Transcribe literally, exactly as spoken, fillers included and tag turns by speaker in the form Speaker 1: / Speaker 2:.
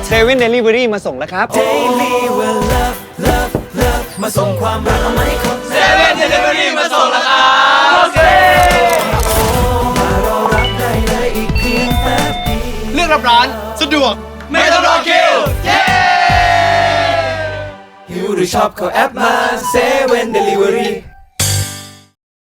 Speaker 1: เซเว่นเดลิเวอรี่มาส่งแล้วครับ
Speaker 2: Daily will love love love มาส่งความรักเอามาให้คนเซ
Speaker 3: เว่นเดลิเวอรี่มาส่งแล้วครับโอเค
Speaker 2: มารอรับได้เลยอีกเพียงแป๊บเดียว
Speaker 3: เลือกรับร้านสะดวกไม่ต้องรอคิวเย้
Speaker 2: หิวหรือชอบเข้าแอปมาเซเว่นเดลิเวอรี่